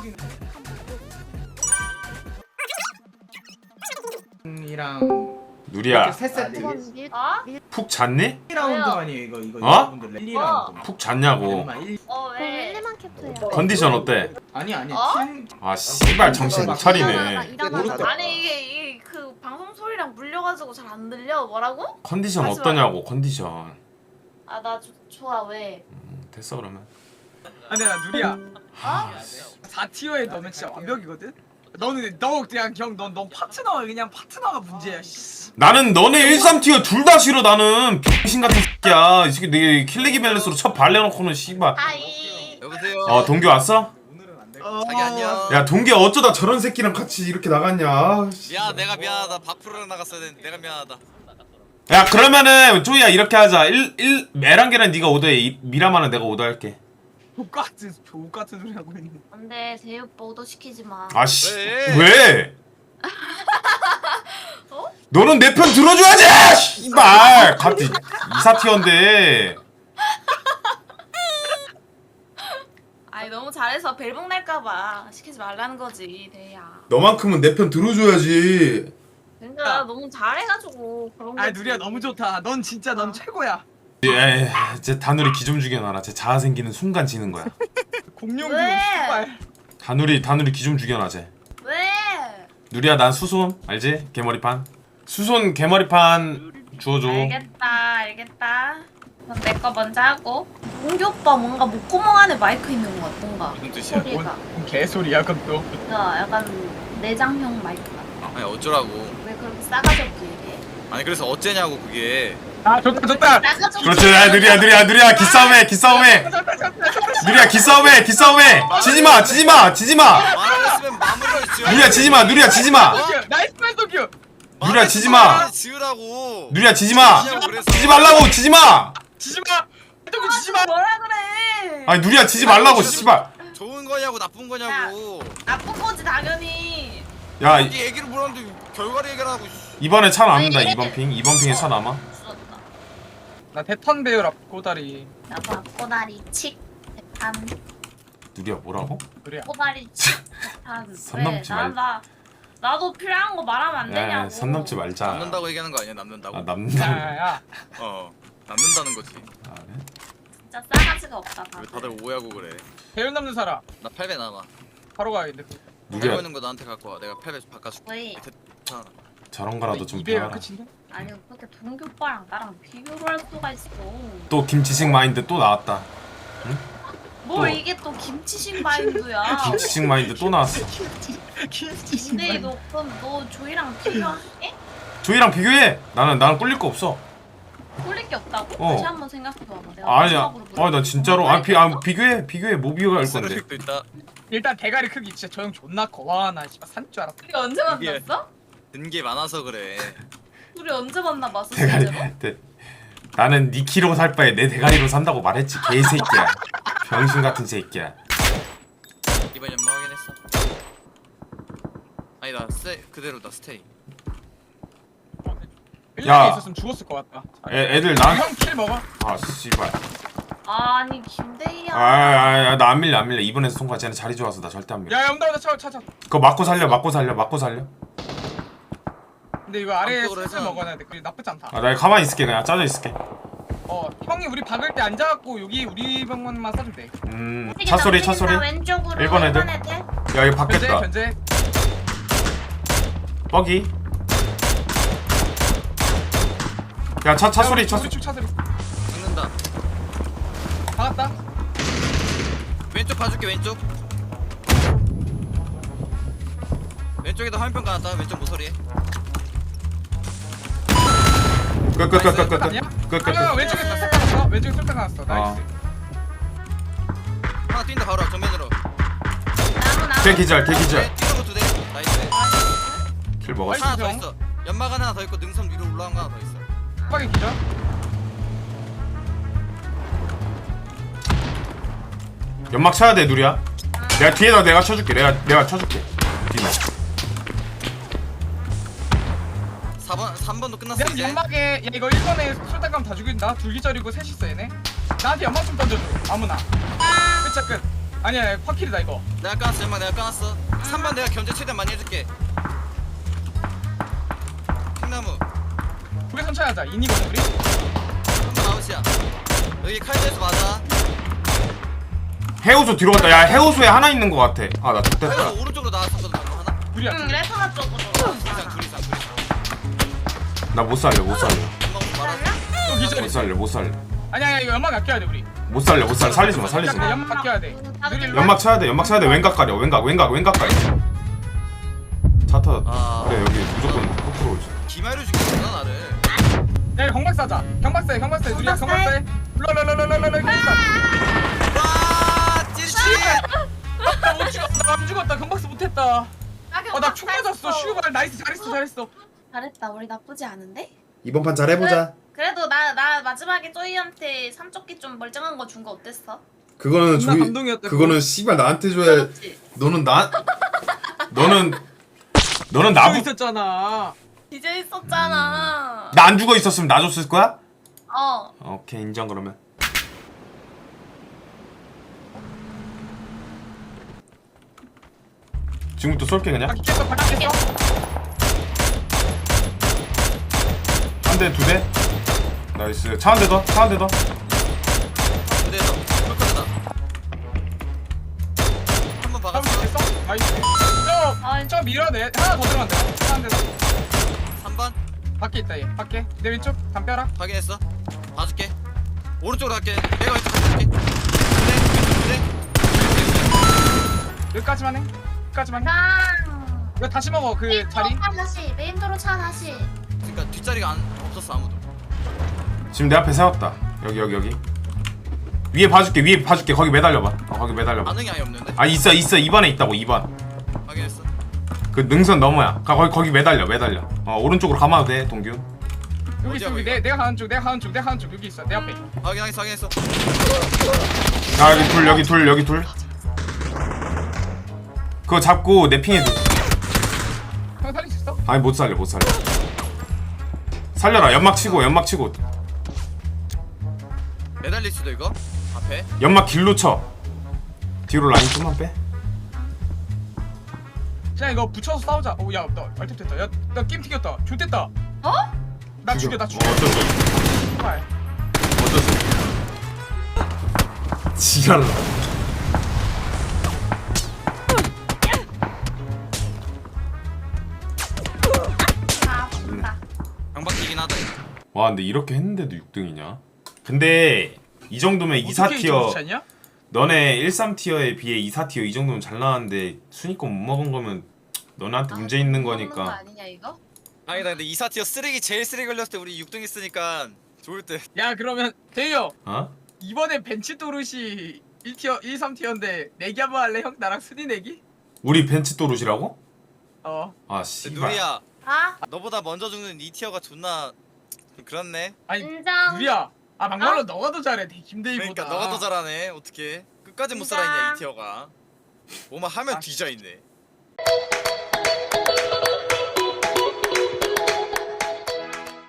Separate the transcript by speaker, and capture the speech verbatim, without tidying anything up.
Speaker 1: 이랑
Speaker 2: 누리야
Speaker 1: 세 세트
Speaker 3: 어?
Speaker 2: 푹 잤니?
Speaker 1: 일 라운드 아니에요 이거 이거
Speaker 2: 어?
Speaker 1: 일 라운드
Speaker 2: 푹 잤냐고.
Speaker 3: 어
Speaker 4: 그럼
Speaker 3: 왜?
Speaker 4: 일리만 캡처해요.
Speaker 2: 컨디션 어때?
Speaker 1: 아니 아니
Speaker 3: 어?
Speaker 1: 팀
Speaker 2: 아 씨발 정신 못 차리네.
Speaker 1: 모르겠다.
Speaker 3: 아니 이게 이게 그 방송 소리랑 물려가지고 잘 안 들려. 뭐라고?
Speaker 2: 컨디션
Speaker 3: 하지 마.
Speaker 2: 어떠냐고 컨디션.
Speaker 3: 아 나 좋아 왜?
Speaker 2: 음, 됐어 그러면.
Speaker 5: 아니 나 누리야
Speaker 3: 어?
Speaker 5: 사 티어에 너는 진짜 완벽이거든? 너는 너 그냥 형넌 넌 파트너가 그냥 파트너가 문제야 씨.
Speaker 2: 나는 너네 일, 삼 티어 둘 다 싫어. 나는 병신 같은 새끼야. 이 새끼 내 킬레기 밸런스로 첫 발려놓고는 씨발.
Speaker 3: 아이.
Speaker 6: 여보세요.
Speaker 2: 어 동규 왔어?
Speaker 6: 자기 안녕.
Speaker 2: 야 동규 어쩌다 저런 새끼랑 같이 이렇게 나갔냐. 아, 씨.
Speaker 6: 미안, 내가 미안하다. 밥풀으러 나갔어야 되는데 내가 미안하다.
Speaker 2: 야 그러면은 쪼이야 이렇게 하자. 일, 일 메랑게랑 네가 오더해. 미라마는 내가 오더할게.
Speaker 5: 족같은 족같은 소리 하고 있는.
Speaker 3: 안돼 제이 오빠 오더 시키지 마.
Speaker 2: 아씨
Speaker 6: 왜?
Speaker 2: 왜?
Speaker 3: 어?
Speaker 2: 너는 내 편 들어줘야지! 씨발! 같이 이사 티어인데.
Speaker 3: 아니 너무 잘해서 벨붕 날까봐 시키지 말라는 거지 대야.
Speaker 2: 너만큼은 내 편 들어줘야지.
Speaker 3: 그러니까 너무 잘해가지고 그런 거지.
Speaker 5: 아 누리야 너무 좋다. 넌 진짜 넌 최고야.
Speaker 2: 에, 제 다누리 기 좀 죽여놔라. 제 자아 생기는 순간 지는 거야.
Speaker 5: 공룡
Speaker 3: 왜?
Speaker 5: 기운 씨발.
Speaker 2: 다누리 다누리 기 좀 죽여놔 쟤.
Speaker 3: 왜?
Speaker 2: 누리야 난 수손 알지? 개머리판. 수손 개머리판 주워줘.
Speaker 3: 알겠다 알겠다. 그럼 내 거 먼저 하고. 동규 오빠 뭔가 목구멍 안에 마이크 있는 것 같아 뭔가.
Speaker 6: 무슨 뜻이야?
Speaker 3: 소리가.
Speaker 5: 뭔 개소리야 그것도.
Speaker 3: 그러니까 약간 내장형 마이크 같아.
Speaker 6: 아니 어쩌라고.
Speaker 3: 왜 그렇게 싸가지 없게 얘기해?
Speaker 6: 아니 그래서 어째냐고 그게.
Speaker 5: 아 좋다 좋다.
Speaker 3: 싸가지 없게.
Speaker 2: 그렇지. 야 누리야 누리야 누리야 기싸움해 기싸움해. 누리야 기싸움해 기싸움해. 지지마 지지마 지지마.
Speaker 6: 말했으면 마무리를 지어.
Speaker 2: 누리야 지지마 누리야 지지마.
Speaker 5: 나이스 펜도큐.
Speaker 2: 누리야 지지마.
Speaker 6: 지으라고.
Speaker 2: 누리야 지지마.
Speaker 6: 지으라고 그래서.
Speaker 2: 지지 말라고 지지마.
Speaker 5: 지지마. 펜도큐
Speaker 3: 아,
Speaker 5: 지지마.
Speaker 3: 뭐라 그래?
Speaker 2: 아니 누리야 지지 말라고 씨발.
Speaker 6: 좋은 거냐고 나쁜 거냐고.
Speaker 3: 나쁜 거지 당연히.
Speaker 2: 야 이-
Speaker 6: 이 얘기를 뭐라는데 결과를 얘기하고.
Speaker 2: 이번에 차 남는다. 이번 핑 이번 핑에 차 남아.
Speaker 3: 죽었다.
Speaker 5: 나 대턴 배우라 꼬다리.
Speaker 3: 나도 앞꼬다리 칙 대판.
Speaker 2: 누리야 뭐라고?
Speaker 5: 누리야.
Speaker 3: 꼬다리 칙 대판.
Speaker 2: 선 넘지
Speaker 3: 왜? 나,
Speaker 2: 말-
Speaker 3: 나 나도 필요한 거 말하면 안 되냐고.
Speaker 2: 야, 선 넘지 말자.
Speaker 6: 남는다고 얘기하는 거 아니야? 남는다고.
Speaker 2: 아 남는다.
Speaker 5: 야야.
Speaker 6: 어. 남는다는 거지.
Speaker 2: 아, 그래?
Speaker 3: 진짜 싸가지가 없다
Speaker 6: 왜
Speaker 3: 다들.
Speaker 6: 다들 오해하고 그래?
Speaker 5: 배우 남는 사람.
Speaker 6: 나 팔 배 남아.
Speaker 5: 바로 가야겠네.
Speaker 6: 팔
Speaker 2: 누리야
Speaker 6: 배 있는 거 나한테 갖고 와. 내가 팔 배 바꿔줄게.
Speaker 3: 왜?
Speaker 6: 괜찮아.
Speaker 2: 저런 거라도 좀
Speaker 5: 이배가
Speaker 2: 배워라.
Speaker 5: 끝인데?
Speaker 3: 아니 그렇게 동규 오빠랑 나랑 비교를 할 수가 있어.
Speaker 2: 또 김치식 마인드 또 나왔다.
Speaker 3: 뭘
Speaker 2: 또.
Speaker 3: 이게 또 김치식 마인드야.
Speaker 2: 김치식 마인드 또 나왔어.
Speaker 3: 근데 너 그럼 너 조이랑 비교할게?
Speaker 2: 조이랑 비교해. 나는 나는 꿀릴 거 없어.
Speaker 3: 꼴릴 게 없다고?
Speaker 2: 어.
Speaker 3: 다시 한번 생각해봐봐. 내가
Speaker 2: 아니야.
Speaker 3: 마지막으로 물어볼게.
Speaker 2: 아 나 진짜로. 아, 비, 아 비교해 비교해. 뭐 비교할 건데.
Speaker 6: 쓰레기도 있다.
Speaker 5: 일단 대가리 크기 진짜 저 형 존나 커. 와 나 씨발 산 줄 알았다.
Speaker 3: 우리 언제
Speaker 6: 이게-
Speaker 3: 만났어?
Speaker 6: 든 게 많아서 그래.
Speaker 3: 우리 언제 만나봤어
Speaker 2: 대가리.
Speaker 3: 실제로?
Speaker 2: 대, 나는 니 키로 살 바에 내 대가리로 산다고 말했지. 개새끼야. 병신 같은 새끼야.
Speaker 6: 이번 연마 확인했어. 아니다. 스테이 그대로다. 스테이.
Speaker 2: 야.
Speaker 5: 일본에 있었으면 죽었을 것 같다.
Speaker 2: 애, 애들 나.
Speaker 5: 형킬 먹어.
Speaker 2: 아 씨발.
Speaker 3: 아니 김대희야.
Speaker 2: 아나 안 밀려 안 밀려. 이번에서 통과. 쟤는 자리 좋아서 나 절대 안 밀려.
Speaker 5: 야야 온다 온다 차차 차.
Speaker 2: 그거 맞고 살려 맞고 살려 맞고 살려.
Speaker 5: 근데 이거 아래에
Speaker 6: 안쪽으로
Speaker 5: 슬슬
Speaker 6: 해서-
Speaker 5: 먹어야 돼. 그게 나쁘지 않다.
Speaker 2: 아 나 가만히 있을게. 그냥 짜져 있을게.
Speaker 5: 어 형이 우리 박을 때 앉아갖고 여기 우리 병원만 써도 돼.
Speaker 2: 음. 차 소리 차 소리.
Speaker 3: 왼쪽으로
Speaker 2: 일본 애들.
Speaker 3: 일본 애들.
Speaker 2: 야 이거
Speaker 5: 견제
Speaker 2: 받겠다.
Speaker 5: 견제.
Speaker 2: 뻐기. 야 차 차 소리 차 소리.
Speaker 5: 차 소리.
Speaker 6: 죽는다.
Speaker 5: 박았다.
Speaker 6: 왼쪽 봐줄게. 왼쪽. 왼쪽에다 화면평 깔았다. 왼쪽 모서리에.
Speaker 2: 끝끝끝끝끝.
Speaker 5: 아니야?
Speaker 2: 끝끝.
Speaker 5: 아, 왼쪽에 쏠딱 나왔어. 왼쪽에 쏠딱 나왔어. 나이스.
Speaker 6: 하나 뛴다. 바로 앞 정면으로.
Speaker 3: 나무 나무.
Speaker 2: 개 기절 개 기절.
Speaker 6: 뛰는 거두 대. 나이스.
Speaker 2: 킬 먹었어.
Speaker 6: 하나 더 있어. 연막 하나 더 있고 능선 위로 올라간 거 하나 더 있어.
Speaker 5: 빡이 기절.
Speaker 2: 연막 쳐야 돼 누리야. 내가 뒤에다 내가 쳐줄게. 내가 내가 쳐줄게. 뒤에.
Speaker 6: 사 번 삼 번도 끝났어
Speaker 5: 내가
Speaker 6: 이제.
Speaker 5: 연막에 야 이거 일 번에 쏠딱 가면 다 죽인다. 둘 기절이고 셋 있어 얘네. 나한테 연막 좀 던져줘. 아무나. 끝자 끝. 아니야 파킬이다 이거.
Speaker 6: 내가 까놨어 연막 내가 까놨어. 삼 번 내가 견제 최대한 많이 해줄게. 킹나무
Speaker 5: 우리 천천히 하자. 인이거든 우리.
Speaker 6: 삼 번 아웃이야. 여기 칼제에서 맞아.
Speaker 2: 해우소 뒤로 갔다. 야 해우소에 하나 있는 거 같아. 아나
Speaker 6: 그래서
Speaker 2: 좋댔다.
Speaker 6: 오른쪽으로 나왔었거든 방금 하나.
Speaker 5: 둘이야.
Speaker 3: 응
Speaker 5: 둘.
Speaker 3: 레터나 쪽으로.
Speaker 6: 둘 이상 둘 이상 둘 이상.
Speaker 2: 나 못 살려 못 살려.
Speaker 6: 연막 말아.
Speaker 5: 또
Speaker 2: 못
Speaker 5: 기절이.
Speaker 2: 살려 못 살려.
Speaker 5: 아니야 아니야 이거 연막 아껴야 돼 우리.
Speaker 2: 못 살려 못 살려. 살리지 마 살리지 마.
Speaker 5: 연막 아껴야 돼. 누리 일로 와.
Speaker 2: 연막 쳐야 돼 연막 쳐야 돼. 왼각 가려 왼각 왼각 왼각 가려. 차 터졌다.
Speaker 6: 아.
Speaker 2: 그래 여기 무조건 코프로 오지.
Speaker 6: 기마를 죽이는구나 나를.
Speaker 5: 야 이거 경박사 하자. 경박사해 경박사해. 누리야
Speaker 3: 경박사해?
Speaker 5: 경박사해. 롤롤롤롤롤롤 경박사.
Speaker 6: 와 찌릿찌릿.
Speaker 5: 나못 죽었다. 나안 죽었다. 경박사 못했다. 어나 총 맞았어. 슈발 나이스 잘했어 잘했어.
Speaker 3: 잘했다. 우리 나쁘지 않은데?
Speaker 2: 이번 판 잘 해보자.
Speaker 3: 그래도 나 나 마지막에 쪼이한테 삼쪽기 좀 멀쩡한 거 준 거 어땠어?
Speaker 2: 그거는
Speaker 5: 존나
Speaker 2: 조이
Speaker 5: 감동이었다,
Speaker 2: 그거는 씨발 나한테 줘야.
Speaker 3: 그렇지.
Speaker 2: 너는 나 너는 너는
Speaker 5: 나부
Speaker 2: 나부
Speaker 5: 있었잖아.
Speaker 3: 이제 있었잖아.
Speaker 2: 나 안 죽어 있었으면 나 줬을 거야?
Speaker 3: 어.
Speaker 2: 오케이 인정 그러면. 지금부터 쏠게 그냥.
Speaker 5: 바퀴 깼어 바퀴 깼어.
Speaker 2: 한 대, 두 대. 나이스. 차 한 대 더. 차 한 대 더.
Speaker 6: 무대에서 컬컬하다. 한번
Speaker 5: 바퀴
Speaker 6: 박았어.
Speaker 5: 깼어. 나이스.
Speaker 3: 아이.
Speaker 5: 저저 밀어야 돼. 하나 더 들어간다. 하나 더.
Speaker 6: 삼 번
Speaker 5: 밖에 있다 얘. 밖에. 내 왼쪽 담벼락.
Speaker 6: 확인했어. 봐줄게. 오른쪽으로 갈게. 내가 왼쪽 봐줄게. 그래 그래.
Speaker 5: 여기까지만 해. 여기까지만 해.
Speaker 3: 랑.
Speaker 5: 이거 다시 먹어 그 자리.
Speaker 3: 차 다시. 메인도로 차 다시.
Speaker 6: 그러니까 뒷자리가 안 없었어 아무도.
Speaker 2: 지금 내 앞에 세웠다. 여기, 여기, 여기. 위에 봐줄게. 위에 봐줄게. 거기 매달려봐. 어, 거기 매달려봐.
Speaker 6: 반응이 아예 없는데.
Speaker 2: 아, 있어, 있어. 이 번에 있다고, 이 번.
Speaker 6: 확인했어.
Speaker 2: 그 능선 너머야. 가, 거기, 거기 매달려, 매달려. 어, 오른쪽으로 가마도 돼, 동규.
Speaker 5: 여기 있어 여기. 내 내가 가는 쪽 내가 가는 쪽 내가 가는 쪽 여기 있어 내 앞에.
Speaker 6: 확인했어 확인했어.
Speaker 2: 아, 여기 둘, 여기 둘, 여기 둘. 그거 잡고 내 핑에 둘.
Speaker 5: 형 살릴 수 있어?
Speaker 2: 아니, 못 살려, 못 살려. 살려라. 연막 치고, 연막 치고.
Speaker 6: 매달릴 수도 이거. 앞에.
Speaker 2: 연막 길로 쳐. 뒤로 라인 좀만 빼.
Speaker 5: 그냥 이거 붙여서 싸우자. 오야나 알탭 됐다. 야나 게임 튀겼다. 좋됐다.
Speaker 3: 어?
Speaker 5: 나 죽여 나 죽여.
Speaker 2: 어, 어쩔 수 없어.
Speaker 5: 정말.
Speaker 2: 어쩔 수 없어. 지랄라.
Speaker 3: 아, 아프다.
Speaker 6: 강박이긴 하다. 이거.
Speaker 2: 와 근데 이렇게 했는데도 육 등이냐? 근데 이 정도면 이, 사
Speaker 5: 어떻게
Speaker 2: 티어
Speaker 5: 이렇게 좋지 않냐?
Speaker 2: 너네 일, 삼 티어에 비해 이, 사 티어 이 정도면 잘 나왔는데 순위권 못 먹은 거면 너네한테 문제 있는
Speaker 3: 먹는 거
Speaker 2: 거니까.
Speaker 3: 아니냐 이거?
Speaker 6: 아니다 근데 이사 티어 쓰레기 제일 쓰레기 걸렸을 때 우리 육 등 했으니까 좋을 때.
Speaker 5: 야 그러면 대유
Speaker 2: 어?
Speaker 5: 이번에 벤치 또르시 일 티어 일, 삼 티어인데 내기 한번 할래? 형 나랑 순위 내기?
Speaker 2: 우리 벤치 또르시라고?
Speaker 5: 어
Speaker 2: 아 씨발.
Speaker 6: 누리야
Speaker 3: 아,
Speaker 6: 너보다 먼저 죽는 이 티어가 존나 좀 그렇네.
Speaker 5: 아니
Speaker 3: 인정.
Speaker 5: 누리야 아 막말로 너가 더 잘해 김대희보다.
Speaker 6: 그러니까 너가 더 잘하네. 어떻게 끝까지 못
Speaker 3: 진짜.
Speaker 6: 살아있냐 이 티어가. 뭐만 하면
Speaker 5: 아.
Speaker 6: 뒤져 있네.